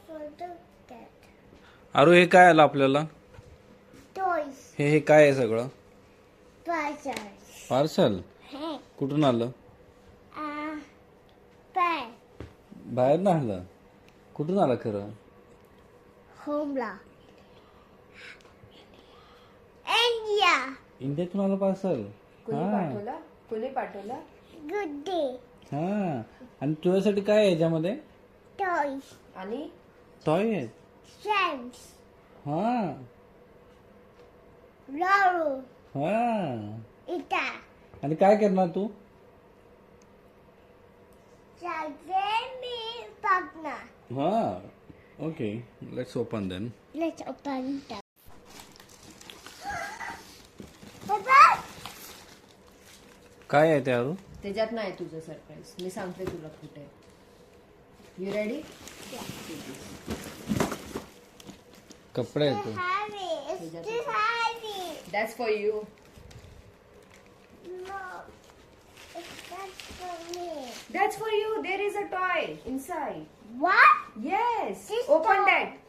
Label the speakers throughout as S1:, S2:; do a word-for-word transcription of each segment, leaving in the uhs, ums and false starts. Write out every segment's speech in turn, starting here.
S1: अरे हे काय आलं आपल्याला?
S2: टॉयज.
S1: हे हे काय आहे सगळं?
S2: पार्सल.
S1: पार्सल
S2: हे
S1: कुठून आलं?
S2: आ पॅ
S1: बाहेर ना आलं? कुठून आलं खरं?
S2: होमला. इंडिया.
S1: इंडियातून आलं पार्सल.
S3: कोणी पाठवला कोणी पाठवला
S2: गुड डे.
S1: हा आणि तुझ्यासाठी काय आहे याच्यामध्ये?
S2: टॉयज.
S3: आणि
S1: टॉय आहे.
S2: स्टॅम्प्स.
S1: हा
S2: लाडू.
S1: हा
S2: इटा.
S1: आणि काय करणार तू?
S2: सगळे मी बघणार.
S1: हा okay let's open then.
S2: Let's open them. Papa.
S1: काय आहे ते अरू?
S3: त्याच्यात नाही तुझं सरप्राईज मी सांगते तुला कुठे यू रेडी
S1: कपडे आहेत ते.
S2: Heavy. It's too heavy.
S3: That's for you
S2: No. It's not for me.
S3: That's for you there is a toy inside
S2: What?
S3: Yes
S2: This
S3: open
S2: toy.
S3: That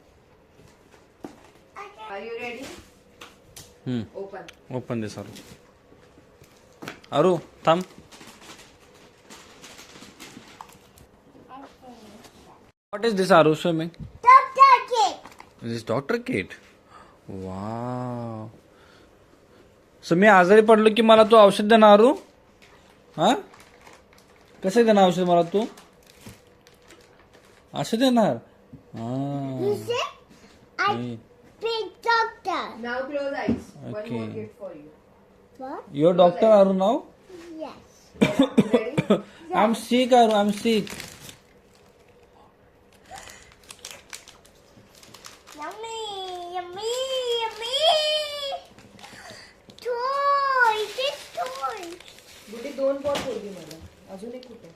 S2: Okay.
S3: Are you ready
S1: hmm
S3: open
S1: open this Aru. Aru थांब. What is this Aru? Show me.
S2: Doctor Kit.
S1: This is doctor kit. Wow. So मी आजारी पडलो की मला तू औषध देणार अरू? हा कसं देणार औषध मला तू? असं देणार?
S2: You
S1: हा
S2: see? I
S1: Hmm.
S2: big doctor.
S3: नाव close eyes one
S1: Okay.
S3: More gift for you
S2: What?
S1: Your doctor Aru now?
S2: Yes.
S3: Ready
S1: I'm sick Aru. I'm sick.
S2: Yummy, yummy, yummy. Toy, this toy.
S3: Goody दोन ball ठेवली मला अजून एक कुठे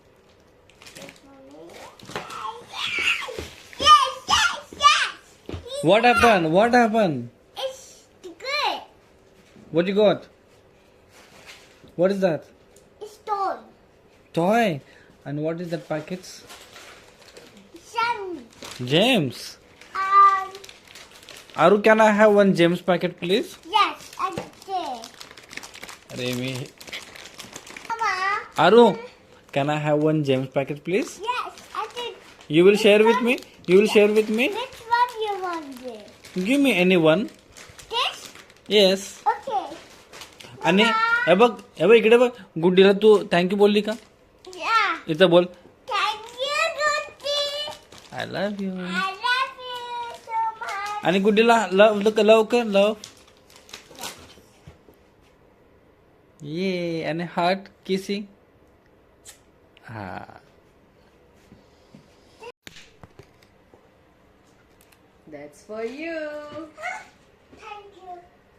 S2: Yes, yes, yes.
S1: What happened? What happened?
S2: It's good.
S1: What you got? What is that?
S2: It's toy.
S1: Toy. And what is that packets?
S2: Sun.
S1: James.
S2: Um.
S1: Aru, can I have one James packet, please?
S2: Yes, I did.
S1: अरे मी
S2: Mama.
S1: Aru, can I have one James packet, please?
S2: Yes, I did.
S1: You will share with me? You will share with me?
S2: Which one you want it?
S1: Give me any one.
S2: This?
S1: Yes.
S2: Okay.
S1: आणि हे बघ हे बघ इकडे बघ गुड्डीला तू thank you बोलली का?
S2: Yeah.
S1: इथं बोल.
S2: Thank you, Goody.
S1: I love you.
S2: I love you so much.
S1: आणि गुड्डीला लव लव कर लव. ये आणि हार्ट किसिंग. हा
S3: that's for you
S2: Thank you.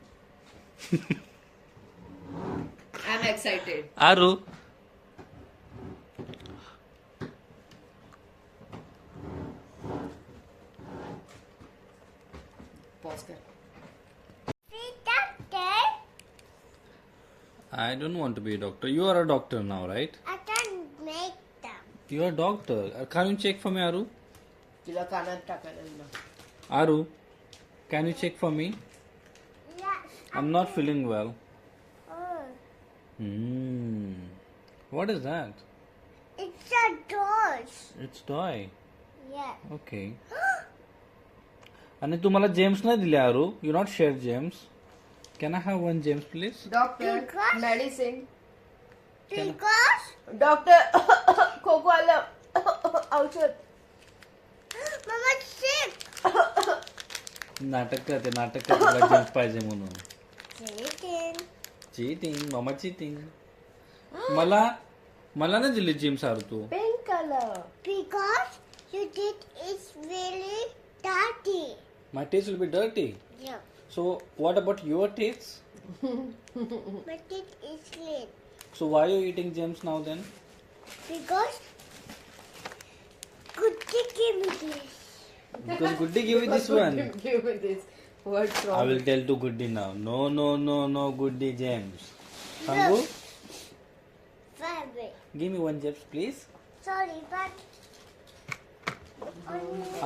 S3: I am excited
S1: Aru
S3: pause कर
S2: See, doctor,
S1: I don't want to be a doctor. You are a doctor now, right?
S2: I can make them.
S1: You are a doctor. Uh, Can you check for me, Aru?
S3: तुला कानात टाकायला ना
S1: Aru, can you check for me?
S2: Yes.
S1: I'm not feeling well.
S2: Oh,
S1: Hmm. What is that?
S2: it's a doors.
S1: It's toy.
S2: Yeah.
S1: Okay. आणि तुम्हाला Gems नाही दिले Aru. You not share James. Can I have one James, please?
S3: Doctor
S2: Because-
S3: medicine
S2: Because
S3: doctor खोको आलं औषध
S2: Mama's sick.
S1: नाटक करते नाटक करते तुला जेम्स पाहिजे म्हणून.
S2: Chicken.
S1: चीटिंग मामा चीटिंग. मला मला नाही दिली जेम्स आरू तू.
S3: Pink colour
S2: Because you did is really dirty.
S1: My teeth will be dirty.
S2: Yeah.
S1: So what about your teeth?
S2: My teeth is clean.
S1: So why are you eating gems now then?
S2: Because Goody gave me this.
S1: Because Goody give you this one.
S3: Give me this. What's
S1: I
S3: wrong?
S1: will tell to Goody now. No, no, no, no, Goody gems. Hangu,
S2: Fabric.
S1: give me one gems, please.
S2: Sorry, but only